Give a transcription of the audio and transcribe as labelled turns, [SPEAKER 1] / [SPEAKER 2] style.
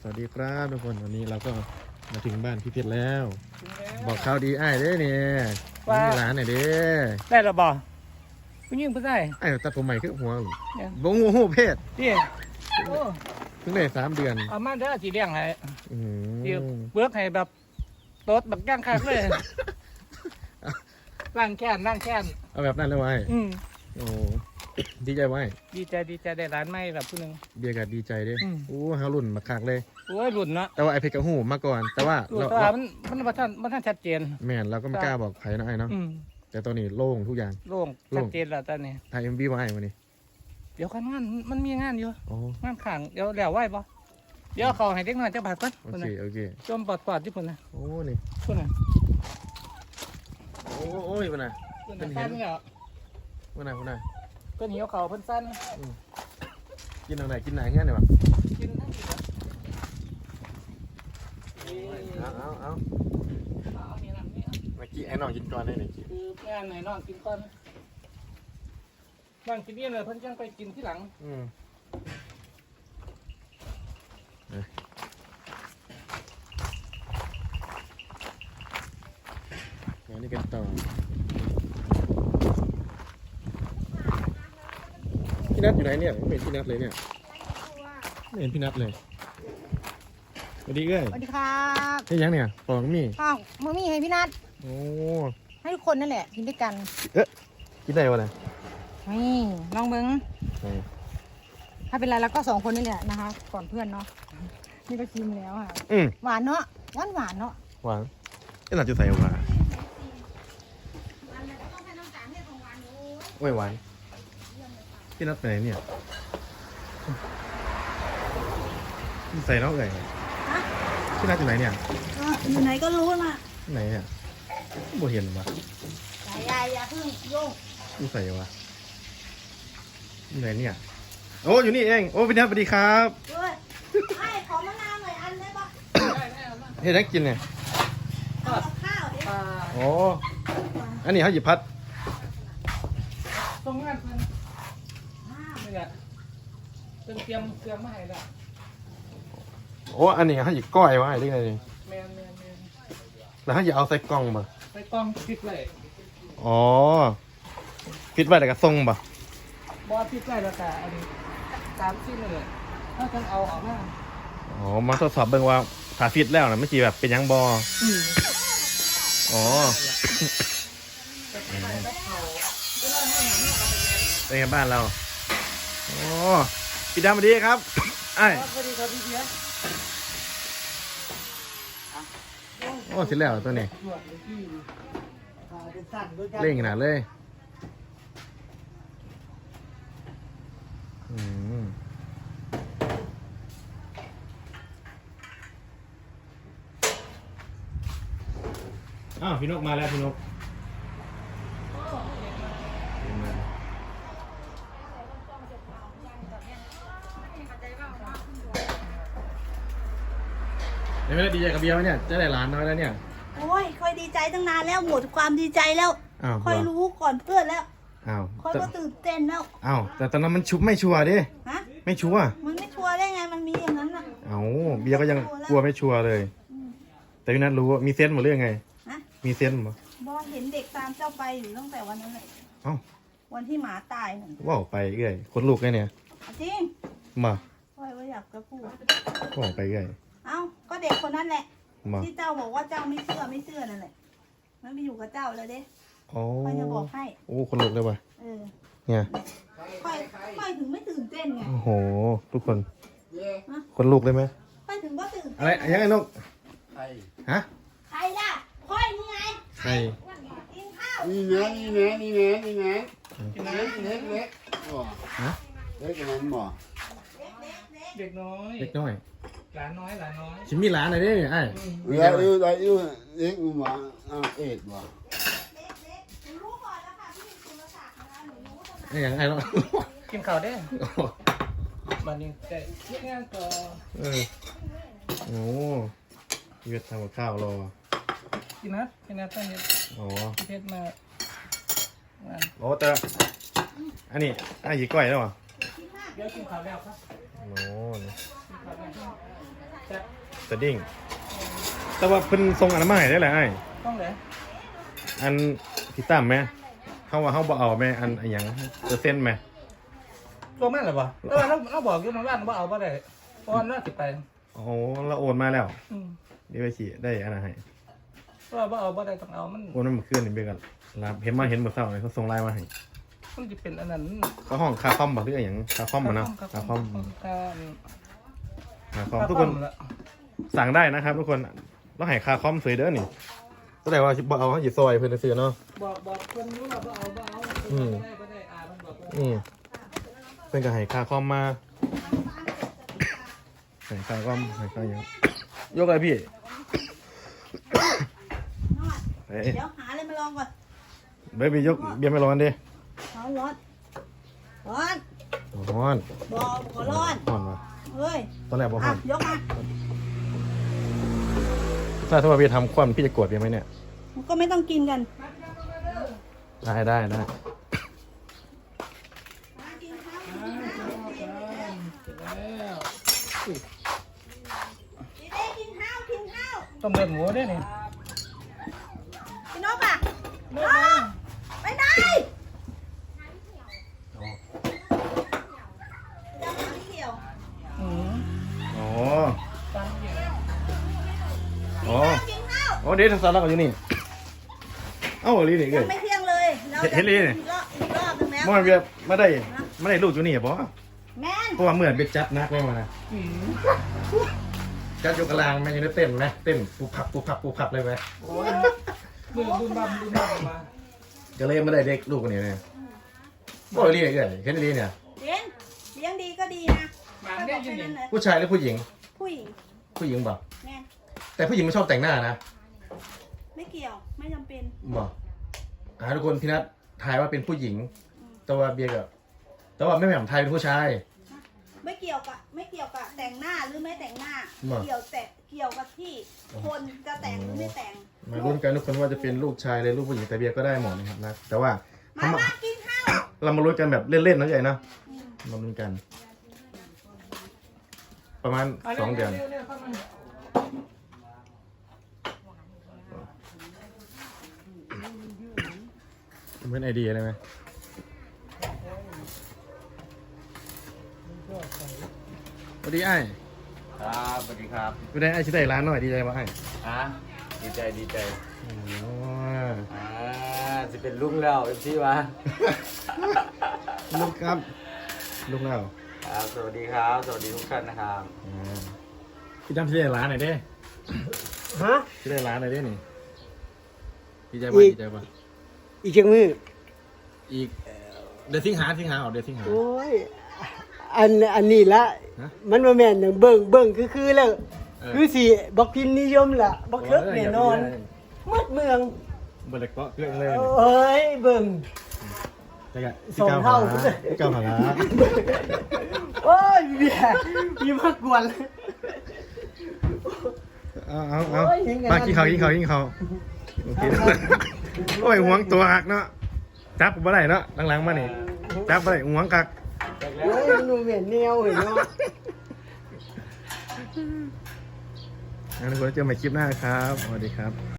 [SPEAKER 1] วัสดีครับทุกคนวันนี้เราก็มาถึงบ้านพี่เพชรแล้วบอกข่าวดีไอ้เด้เนี่ยมีร้านไหนเด้
[SPEAKER 2] ได้หรอบ่ผู้หญิงผู้ชาย
[SPEAKER 1] ไอ้ตัดผมใหม่ขึ้นหัวบงหูเพศ
[SPEAKER 2] นี่
[SPEAKER 1] เพิ่งได้3 เดือน
[SPEAKER 2] เอามาเด้อสีเลี้ยงให้เดี๋ยว
[SPEAKER 1] อืม
[SPEAKER 2] เบิกให้แบบโต๊ดแบบย่างคักเลยร่างแค้น
[SPEAKER 1] เอาแบบนั้นเลยไว้โอ้ดีใจไว้
[SPEAKER 2] ดีใจได้ร้านใหม่แบบผู้หนึง
[SPEAKER 1] เบียร์กัดีใจเด้โอ้เฮารุ่นมาคักเลย
[SPEAKER 2] โอ้ยรุ่นเนาะ
[SPEAKER 1] แต่ว่าไอ้เพชรกับหูมาก่อนแต่ว่า
[SPEAKER 2] มันบ่ทันชัดเจน
[SPEAKER 1] แม่นเราก็ไม่กล้าบอกใครนะไอ้เนาะแต่ตอนนี้โล่งทุกอย่าง
[SPEAKER 2] โล่งชัดเจนแล้วตอนนี้
[SPEAKER 1] ถ่าย MV ไว้วันนี้
[SPEAKER 2] เดี๋ยวงานมันมีงานอยู่งานข้างเดี๋ยวแล้วไหวบ่เดี๋ยวเขาให้เด็กน้อยจักบาทก่อน
[SPEAKER 1] โอเค
[SPEAKER 2] จมปอดที่พุ่นน่ะ
[SPEAKER 1] โอ้นี่
[SPEAKER 2] พุ่นน่ะ
[SPEAKER 1] โอ้ยพุ่นน่ะ
[SPEAKER 2] เป็นเห็น
[SPEAKER 1] พุ่นน่ะ
[SPEAKER 2] เพิ่นหิวเขาเพิ่นสั้น
[SPEAKER 1] กินตรงไหนกินไหนเงี้ยเนี่ยวะ
[SPEAKER 2] กินทั้งที
[SPEAKER 1] เอาเมื่อกี้ไอ้น้องกินก่อนได้ไหม
[SPEAKER 2] คืองานไหนน้องกินก่อนนั่งกินนี่เลยเพิ่นจังไปกินที่หลัง
[SPEAKER 1] เดี๋ยวนี้กันต่อพี่นัทอยู่ไหนเนี่ยไม่เห็นพี่นัทเลยเนี่ยไม่เห็นพี่นัทเลยสวัสดีเอ้ย
[SPEAKER 3] สวัสดีครับ
[SPEAKER 1] นี่ยังเนี่ยปองมี
[SPEAKER 3] ข้าวมือมีให้พี่นัท
[SPEAKER 1] โอ้
[SPEAKER 3] ให้ทุกคนนั่นแหละกินด้วยกัน
[SPEAKER 1] กินได้วะเนี่ย
[SPEAKER 3] นี่ลองเบิ้งถ้าเป็นไรแล้วก็2 คนนี่แหละนะคะก่อนเพื่อนเนาะนี่ก็ชิมแล้วค่ะหวานเนาะหวานเนาะ
[SPEAKER 1] หวานไอ้หลับจะใส่หวานไม่หวานพี่นัทไปไหนเนี่ยใส่น้องเอ๋ยพี่นัทอยู่ไหนเนี่ย
[SPEAKER 3] อยู่ไหนก็รู้นะ
[SPEAKER 1] ไหนเนี่ยบ่เห็นวะ
[SPEAKER 3] อย่าเพิ่งโยก
[SPEAKER 1] นี่ใส่วะอยู่ไหนเนี่ยโอ้อยู่นี่เองโอ้พี่นัทสวัสดีครับ
[SPEAKER 3] ให้ขอมะนาวหน่อยอันได้ปะ
[SPEAKER 1] เฮ้ยได้กินเนี่ย
[SPEAKER 3] ข้าวดิ
[SPEAKER 1] โอ้อันนี้เขาหยิบพัด
[SPEAKER 2] ตรงงานเพิ่นนี่แหละเตรียมมาให้ละ
[SPEAKER 1] โอ้อันนี้เขาหยิบก้อยไว้ได้ไงนี่
[SPEAKER 2] แมน
[SPEAKER 1] แล้วเขาหยิบเอาใส่กล่องมา
[SPEAKER 2] ใส่กล่องฟิตไว้
[SPEAKER 1] อ๋อฟิตไว้แต่กระทรงป่ะ
[SPEAKER 2] บอฟิตไว้แล้วแต่อันนี้3 ชิ้นเลยถ้าจะเอาออกมา
[SPEAKER 1] อ๋อมาทดสอบเบิ่งว่าถ้าฟิตแล้วนะไม่ใช่แบบเป็นยังบออ๋อเป็นไงบ้านเราโอ้พี่ดำสวัสดีครับไอ้
[SPEAKER 2] สวัสดีครับพี่เพียร
[SPEAKER 1] โอ้เสร็จแล้วตัวนี้เล่งขนาดเลยอ้าวพี่นกมาแล้วพี่นกไม่ได้ดีใจกับเบียร์ไหมเนี่ยจะได้หลานน้อยแล้วเนี่ย
[SPEAKER 3] โอ้ยค่อยดีใจตั้งนานแล้วหมดความดีใจแล้วค่อยรู้ก่อนเพื่อนแล้วค่อยก็ตื่นเต้นแล้ว
[SPEAKER 1] แต่ตอนนั้นมันชุบไม่ชัวร์ดิไม่ชัวร์
[SPEAKER 3] มันไม่ชัวร์ได้ไงมันมีอย่างนั้นน่ะ
[SPEAKER 1] เบียร์ก็ยังกลัวไม่ชัวร์เลยแต่พี่นัทรู้ว่ามีเซนส์หมดเรื่องไงมีเซนส์มั้ย
[SPEAKER 3] บอเห็นเด็กตามเจ้าไปอยู่ตั้งแต่วันนั้นเลยวันที่หมาตายนั่น
[SPEAKER 1] ว้าวไปเอ้ยคนลูกไงเนี่ย
[SPEAKER 3] จริง
[SPEAKER 1] มา
[SPEAKER 3] ค่อยว่าอยากจะพูด
[SPEAKER 1] ว้าวไปเอ้ย
[SPEAKER 3] ก็เด็กคนนั้นแหละที่เจ้าบอกว่าเจ้าไม่เชื่อนั่นแหละมันไปอยู่กับเจ้าแล้วเด้ค่อยจะบอกให้
[SPEAKER 1] โอ้คนลูกเลยว่ะเนี่ย
[SPEAKER 3] ค่อยถึงไม่ตื่นเต้นไง
[SPEAKER 1] โอ้โหทุกคนคนลูกเลยไหม
[SPEAKER 3] ค่อยถึงก็ตื่น
[SPEAKER 1] อะไรยังไงนกฮะ
[SPEAKER 3] ใครล่ะค่อยนี่ไง
[SPEAKER 1] ใคร
[SPEAKER 3] กินข้าว
[SPEAKER 4] นี่ไงเล็กเล็กฮะเล็กนั้นบ่
[SPEAKER 2] เด็กน้อยหลานน้อย
[SPEAKER 1] ชิมมีหลานอะไรดิไอ้
[SPEAKER 4] แล้วอยู่เล็กบ่เอ็ดบ่
[SPEAKER 3] รู้ก่อนแล้วค่ะพี่สุรศักดิ์นะคะหนูรู้
[SPEAKER 1] ไอ้ยังไงเนาะ
[SPEAKER 2] กินข้าวได้บัดนี้แต่เฮ็ดงานต่อ
[SPEAKER 1] โอ้เวียดทำกับข้าวรอ
[SPEAKER 2] กินนะตั้งเฮ็ดเพชรมา
[SPEAKER 1] โอ้แต่อันนี้หยิบก้อยแล้วเหรอ
[SPEAKER 2] เดี๋ยวกินข้าวแล้วครับ
[SPEAKER 1] โอ้
[SPEAKER 2] จะ
[SPEAKER 1] สดิ้งแต่ว่าเพิ่นทรงอันนั้นมาให้ได้แหละไอ้
[SPEAKER 2] ต้องเลย
[SPEAKER 1] อันที่ตั้มไหมเขาว่าเขาบ่เอาไหมอันอหย่างเปอร์เซ็นต์ไหม
[SPEAKER 2] ตัวแม่นหรือเปล่าแต่ว่าเราบอกอยู่มันว่าเราเอาไปได้เพราะว่าน่าจะไป
[SPEAKER 1] โอ้โหเราโอนมาแล้ว
[SPEAKER 2] อืม
[SPEAKER 1] นี่ไปขี่ได้อันนั้นให้
[SPEAKER 2] เพราะว่าเอาไปได้ต้องเอามัน
[SPEAKER 1] โอนมันขึ้นนี่เบี้ยกันรับเห็นเมื่อเช้าเลยเขาส่งไลน์มาให้
[SPEAKER 2] มันจะเป็นอันนั้น
[SPEAKER 1] เขาห้องคาคอมบอกหรืออย่างคาคอมมาเนาะคาคอมทุกคนสั่งได้นะครับทุกคนเราให้คาคอมสวยเด้อนี่ก็แต่ว่าบ่เอาเขาหยิบซอยเพื่อนซื้อเนาะ
[SPEAKER 2] บอกคนรู้ว่าเอาไม่ได้มันบอก
[SPEAKER 1] เพื่อนก็ให้คาคอมมาให้คาคอมให้คาอย่างยกอะไรพี่เฮ้ย
[SPEAKER 3] เดี๋ยวหาอะไรมาลองก่อน
[SPEAKER 1] เบบี้ยกเบียร์ไม่ร้อนดิ
[SPEAKER 3] ร้อนร้อน
[SPEAKER 1] ร้อน
[SPEAKER 3] บอกขอร้อน
[SPEAKER 1] ร้อนวะ
[SPEAKER 3] เฮ้ย
[SPEAKER 1] ตอนแรกบอกร้
[SPEAKER 3] อ่ะ
[SPEAKER 1] อน
[SPEAKER 3] ยกมา
[SPEAKER 1] ถ้าว่าพี่ทำควันพี่จะโกรธพี่ไหมเนี่ย
[SPEAKER 3] ก็ไม่ต้องกินกัน
[SPEAKER 1] ได้
[SPEAKER 2] แล้ว
[SPEAKER 3] กินข้าวกินข้าว
[SPEAKER 2] ต้มเลือดหมูด้วยนี่
[SPEAKER 3] พี่นกอ่ะนกไปไหนจะมาที่เดียว
[SPEAKER 2] อืม
[SPEAKER 1] อ๋อ
[SPEAKER 2] ฟังอยู่
[SPEAKER 1] อ๋อ
[SPEAKER 3] กินข้าว
[SPEAKER 1] โอ้เดี๋ยวสาระกันอยู่นี่เอ้าลีนี่เกิ
[SPEAKER 3] ยั
[SPEAKER 1] ด
[SPEAKER 3] งไม่เที่ยงเลยเรา
[SPEAKER 1] เห็นเลยนี่
[SPEAKER 3] อีกรอบนึงแล้ว
[SPEAKER 1] เมื่อเบียร์ไม่ได้ลูกอยู่นี่บอ
[SPEAKER 3] แม่น
[SPEAKER 1] เพราะว่าเหมือนเบียร์จัดนักเลยมานะ
[SPEAKER 2] อืม
[SPEAKER 1] จัดอยู่กลางแม่ยังได้เต้นไหมเต้นปูพับเลยไหม
[SPEAKER 2] โอ้ยดูบัมมา
[SPEAKER 1] ก็เลยไม่ได้เด็กลูกคนนี้เลยบอกลีนี่เกิดเห็นลีเนี่ย
[SPEAKER 3] เลี้ยงดีก็ดีนะ
[SPEAKER 2] หมาเนี่ยอยู่นี่
[SPEAKER 1] ผู้ชายหรือผู้หญิง
[SPEAKER 3] ผู้หญิง
[SPEAKER 1] ผู้หญิงบอก
[SPEAKER 3] แม่น
[SPEAKER 1] แต่ผู้หญิงไม่ชอบแต่งหน้านะ
[SPEAKER 3] ไม่เกี่ยวไม่จำเป็น
[SPEAKER 1] บอกทุกคนพี่นัททายว่าเป็นผู้หญิง แต่ว่าเบียร์กับแต่ว่าไม่แหม่มไทยเป็นผู้ชาย
[SPEAKER 3] ไม่เกี่ยวกับแต่งหน้าหรือไม่แต่งหน้า
[SPEAKER 1] มา
[SPEAKER 3] เกี่ยวกับที่คนจะแต่งหรือไม่แต่ง
[SPEAKER 1] มาลุ้นกันทุกคนว่าจะเป็นลูกชายเลยลูกผู้หญิงแต่เบียร์ก็ได้หมดนะครับนะแต่ว่า
[SPEAKER 3] มากินข้าว
[SPEAKER 1] เรามาลุ้นกันแบบเล่นๆนะใหญ่นะมาลุ้นกัน ประมาณ2 เดือนเป็นไอเดียเลยไหมสวัสดีไอ้
[SPEAKER 5] ครับสวัสดีครับ
[SPEAKER 1] ไม่ได้ไอ้ชิได้ร้านหน่อยดีใจป่ะไอ้
[SPEAKER 5] ดีใจ
[SPEAKER 1] โอ้โห
[SPEAKER 5] จะเป็นลุงแล้วเอฟซีวะ
[SPEAKER 1] ลูกครับลูกแล้ว
[SPEAKER 5] ครับ สวัสดีครับ สวัสดีทุกท่านนะครับ
[SPEAKER 1] พี่จำชิได้ร้านหน่อยดิ
[SPEAKER 6] ฮะ
[SPEAKER 1] ชิได้ร้านหน่อยดินี่ดีใจป่ะดีใจป่ะ
[SPEAKER 6] อีกเชียงมือ
[SPEAKER 1] อีกเดือนสิงหาออกเดือนสิงหา
[SPEAKER 6] โอ้ยอันนี้ละ
[SPEAKER 1] ฮะ
[SPEAKER 6] มันมาแม่นอย่างเบิ่งคือแล้ว
[SPEAKER 1] เออ
[SPEAKER 6] คือสิบอกพิมพ์นิยมล่ะบอกเลิกแน่นอนหมดเมือง
[SPEAKER 1] เบิร์ดเกาะเกลือเลย
[SPEAKER 6] เอ้ยเบิ่ง
[SPEAKER 1] แต่ก็
[SPEAKER 6] สองเท่า
[SPEAKER 1] เก้าหาละ
[SPEAKER 6] โอ้ยเบียร์มีมากกวน
[SPEAKER 1] เอา
[SPEAKER 6] โอ้ยยังไง
[SPEAKER 1] มากินข้าวโอเคโอ้ยหวงตัวหักเนาะจับบ่ได้เนาะหลังๆมานี่จับบ่ได้หวงกัก
[SPEAKER 6] โอ้ยมันดูเหม็นแนวเห็นเนาะ
[SPEAKER 1] งั้นทุกคนเจอกันใหม่คลิปหน้าครับสวัสดีครับ